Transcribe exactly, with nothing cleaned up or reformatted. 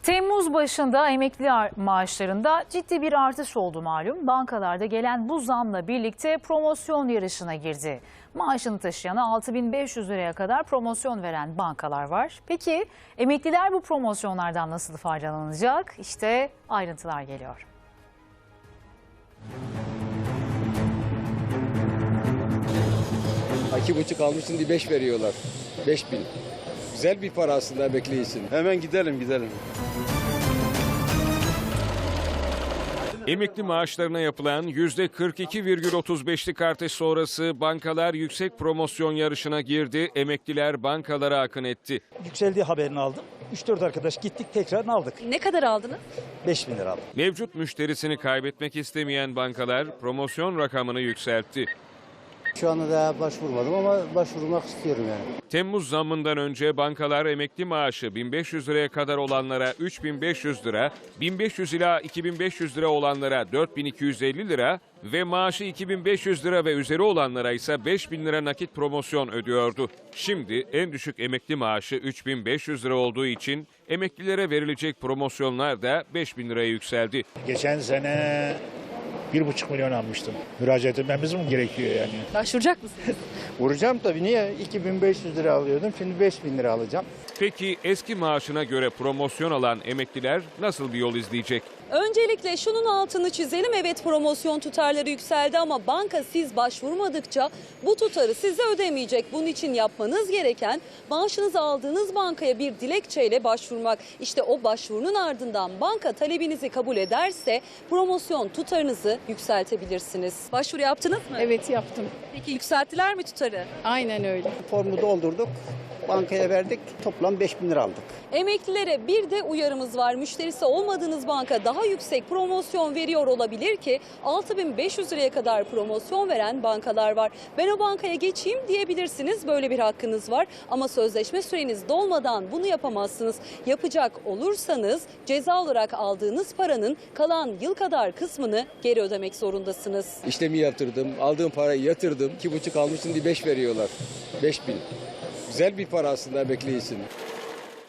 Temmuz başında emekli maaşlarında ciddi bir artış oldu malum. Bankalarda gelen bu zamla birlikte promosyon yarışına girdi. Maaşını taşıyana altı bin beş yüz liraya kadar promosyon veren bankalar var. Peki emekliler bu promosyonlardan nasıl faydalanacak? İşte ayrıntılar geliyor. İki buçuk almışsın diye beş veriyorlar. Beş bin. Güzel bir para aslında emekli için. Hemen gidelim gidelim. Emekli maaşlarına yapılan yüzde kırk iki virgül otuz beşlik artış sonrası bankalar yüksek promosyon yarışına girdi. Emekliler bankalara akın etti. Yükseldiği haberini aldım. üç dört arkadaş gittik tekrar aldık. Ne kadar aldınız? beş bin lira aldım. Mevcut müşterisini kaybetmek istemeyen bankalar promosyon rakamını yükseltti. Şu anda daha başvurmadım ama başvurmak istiyorum yani. Temmuz zammından önce bankalar emekli maaşı bin beş yüz liraya kadar olanlara üç bin beş yüz lira, bin beş yüz ila iki bin beş yüz lira olanlara dört bin iki yüz elli lira ve maaşı iki bin beş yüz lira ve üzeri olanlara ise beş bin lira nakit promosyon ödüyordu. Şimdi en düşük emekli maaşı üç bin beş yüz lira olduğu için emeklilere verilecek promosyonlar da beş bin liraya yükseldi. Geçen sene bir buçuk milyon almıştım. Müracaat etmemiz mi gerekiyor yani? Başvuracak mısınız? Vuracağım tabii, niye? iki bin beş yüz lira alıyordum, şimdi beş bin lira alacağım. Peki eski maaşına göre promosyon alan emekliler nasıl bir yol izleyecek? Öncelikle şunun altını çizelim. Evet, promosyon tutarları yükseldi ama banka siz başvurmadıkça bu tutarı size ödemeyecek. Bunun için yapmanız gereken maaşınızı aldığınız bankaya bir dilekçeyle başvurmak. İşte o başvurunun ardından banka talebinizi kabul ederse promosyon tutarınızı yükseltebilirsiniz. Başvuru yaptınız mı? Evet, yaptım. Peki yükselttiler mi tutarı? Aynen öyle. Formu doldurduk, bankaya verdik, toplam beş bin lira aldık. Emeklilere bir de uyarımız var. Müşterisi olmadığınız banka daha yüksek promosyon veriyor olabilir ki altı bin beş yüz liraya kadar promosyon veren bankalar var. Ben o bankaya geçeyim diyebilirsiniz. Böyle bir hakkınız var ama sözleşme süreniz dolmadan bunu yapamazsınız. Yapacak olursanız ceza olarak aldığınız paranın kalan yıl kadar kısmını geri ödemek zorundasınız. İşlemi yatırdım, aldığım parayı yatırdım. İki buçuk almışsın diye beş veriyorlar. Beş bin. Güzel bir para aslında emekli için.